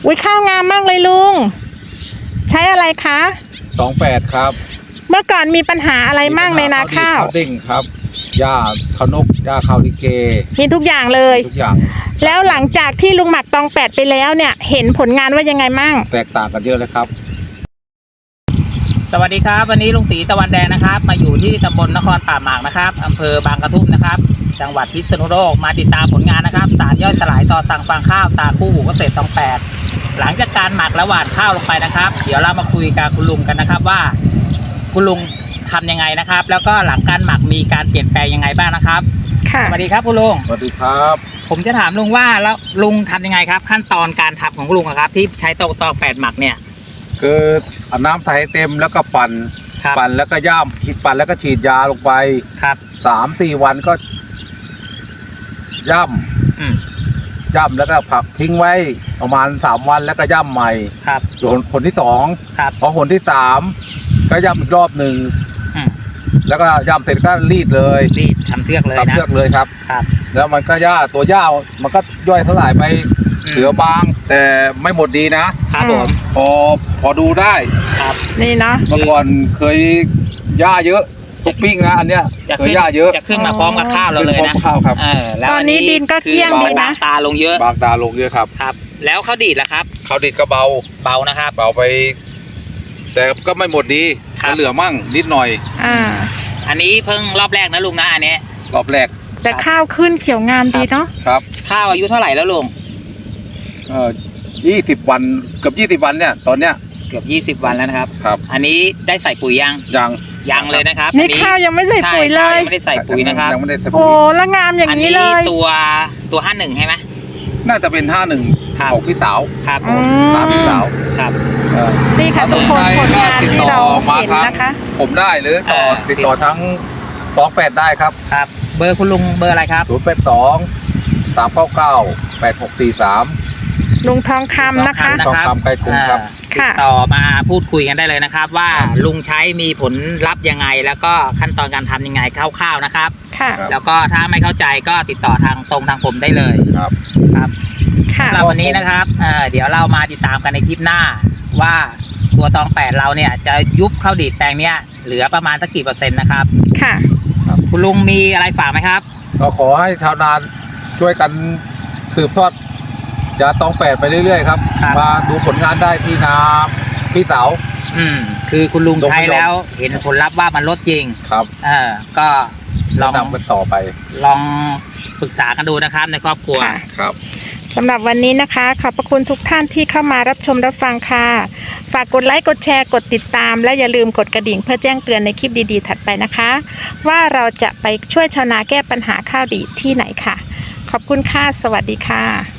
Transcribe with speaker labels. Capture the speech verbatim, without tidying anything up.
Speaker 1: อุ้ยข้าวงามมากเลยลุงใช้อะไรคะ
Speaker 2: สองแปดครับ
Speaker 1: เมื่อก่อนมีปัญหาอะไรมั่งในนาข้าว
Speaker 2: ข้าวดิ่งครับหญ้าข้าวนกหญ้าข้าวลิเก
Speaker 1: มีทุกอย่างเลย
Speaker 2: ทุกอย่าง
Speaker 1: แล้วหลังจากที่ลุงหมักตองแปดไปแล้วเนี่ยเห็นผลงานว่ายังไงมั่ง
Speaker 2: แตกต่างกันเยอะเลยครับ
Speaker 3: สวัสดีครับวันนี้ลุงตีตะวันแดงนะครับมาอยู่ที่ตำบลนครป่าหมากนะครับอำเภอบางกระทุ่มนะครับจังหวัดพิษณุโลกมาติดตามผลงานนะครับสารย่อยสลายต่อสั่งฟางข้าวตาคู่หูเกษตรตองแปดหลังจากการหมักและหว่านข้าวลงไปนะครับเดี๋ยวเรามาคุยกับคุณลุงกันนะครับว่าคุณลุงทำยังไงนะครับแล้วก็หลังการหมักมีการเปลี่ยนแปลงยังไงบ้างนะครับ
Speaker 1: ค่ะ
Speaker 3: สวัสดีครับคุณลุง
Speaker 2: สวัสดีครับ
Speaker 3: ผมจะถามลุงว่าแล้วลุงทำยังไงครับขั้นตอนการทำของลุงครับที่ใช้ตองตองแปดหมักเนี่ย
Speaker 2: คือเอาน้ำใส่เต็มแล้วก็ปั่นปั่นแล้วก็ย่ำปั่นแล้วก็ฉีดยาลงไป
Speaker 3: ครับ
Speaker 2: สามสี่วันก็ย่ำย่ำแล้วก็ผักทิ้งไว้ประมาณสามวันแล้วก็ย่ำใหม่
Speaker 3: ครับ
Speaker 2: ส่วนคนที่สอง
Speaker 3: ครับ
Speaker 2: พอคนที่สามก็ย่ำอีกรอบหนึ่งแล้วก็ย่ำเสร็จก็รีดเลย
Speaker 3: รีดทำเชือกเลยนะ
Speaker 2: ทำเชือกเลยครับ
Speaker 3: ครับ
Speaker 2: แล้วมันก็ย่าตัวย่ามันก็ย่อยสลายไปเหลือบางแต่ไม่หมดดีนะครับ
Speaker 3: ผม
Speaker 2: พอพอดูได้
Speaker 3: ครับ
Speaker 1: นี่นะ
Speaker 2: เมื่อก่อนเคยย่าเยอะทุกปิ้งนะอันเนี้ยเคยย่าเยอะ
Speaker 3: จะขึ้นมาพร้อมกับข้าวเราเลยนะ
Speaker 2: ข้าวครับ
Speaker 1: ตอนนี้ดินก็เกลี้ยงดีนะ
Speaker 3: ตาลงเยอะ
Speaker 2: บางตาลงเยอะครับ
Speaker 3: ครับแล้วข้าวดีดล่ะครับ
Speaker 2: ข้าวดีดก็เบา
Speaker 3: เบานะครับ
Speaker 2: เบาไปแต่ก็ไม่หมดดีเหลือมั่งนิดหน่อย
Speaker 1: อ่า
Speaker 3: อันนี้เพิ่งรอบแรกนะลุงนะอันนี้
Speaker 2: รอบแรก
Speaker 1: แต่ข้าวขึ้นเขียวงามดีเนาะ
Speaker 2: ครับ
Speaker 3: ข้าวอายุเท่าไหร่แล้วลุง
Speaker 2: เออยี่สิบวันเกือบยี่สิบวันเนี่ยตอนเนี้ย
Speaker 3: เกือบยี่สิบวันแล้วนะครับ
Speaker 2: ครับ
Speaker 3: อันนี้ได้ใส่ปุ๋ยยัง
Speaker 2: ยัง
Speaker 3: ยังเลยนะครับ
Speaker 1: นี่ข้าวยังไม่ใส่ปุ๋ยเลย
Speaker 3: ยังไม่ได้ใส่ปุ๋ยนะครับ
Speaker 2: ยังไม่ได้ใส่ปุ๋ย
Speaker 1: โอ้ละงามอย่างนี้เลย
Speaker 3: ตัวตัวห้าหนึ่งใช่ไหม
Speaker 2: น่าจะเป็นห้าหนึ่งของพี่สาว
Speaker 3: ครับผม
Speaker 2: ตามพี่สาว
Speaker 3: ครับ
Speaker 1: นี่ค่ะทุกคนผลงานที่เราเห็นนะคะ
Speaker 2: ผมได้หรือต่อติดต่อทั้งสองแปดได้ครับ
Speaker 3: ครับเบอร์คุณลุงเบอร์อะไรครับ
Speaker 2: ศูนย์แปดสองสามเก้าเก้าแปดหกสี่สาม
Speaker 1: ลุงทองคำนะคะ
Speaker 2: ทองคำไกลกรุงครับ
Speaker 3: ติดต่อมาพูดคุยกันได้เลยนะครับว่าลุงใช้มีผลลัพธ์ยังไงแล้วก็ขั้นตอนการทำยังไงคร่าวๆนะครับ
Speaker 1: ค่ะ
Speaker 3: แล้วก็ถ้าไม่เข้าใจก็ติดต่อทางตรงทางผมได้เลย
Speaker 2: ครับ
Speaker 3: ครับสำหรับวันนี้นะครับเอ่อเดี๋ยวเรามาติดตามกันในคลิปหน้าว่าตัวตองแปดเราเนี่ยจะยุบข้าวดีดแปลงเนี้ยเหลือประมาณสักกี่เปอร์เซ็นต์นะครับ
Speaker 1: ค่ะ
Speaker 3: คุณลุงมีอะไรฝากไหมครับ
Speaker 2: ก็ขอให้ชาวนาช่วยกันสืบทอดยาตองแปดไปเรื่อยๆครับมาดูผลงานได้ที่นาพี่เต๋า
Speaker 3: อืมคือคุณลุงใช้แล้วเห็นผลลัพธ์ว่ามันลดจริง
Speaker 2: ครับ
Speaker 3: เออก็ลอง
Speaker 2: นำกันต่อไป
Speaker 3: ลองปรึกษากันดูนะครับในครอบครัว
Speaker 2: ครับ
Speaker 1: สำหรับวันนี้นะคะขอบพระคุณทุกท่านที่เข้ามารับชมรับฟังค่ะฝากกดไลค์กดแชร์กดติดตามและอย่าลืมกดกระดิ่งเพื่อแจ้งเตือนในคลิปดีๆถัดไปนะคะว่าเราจะไปช่วยชาวนาแก้ปัญหาข้าวดีดที่ไหนค่ะขอบคุณค่ะสวัสดีค่ะ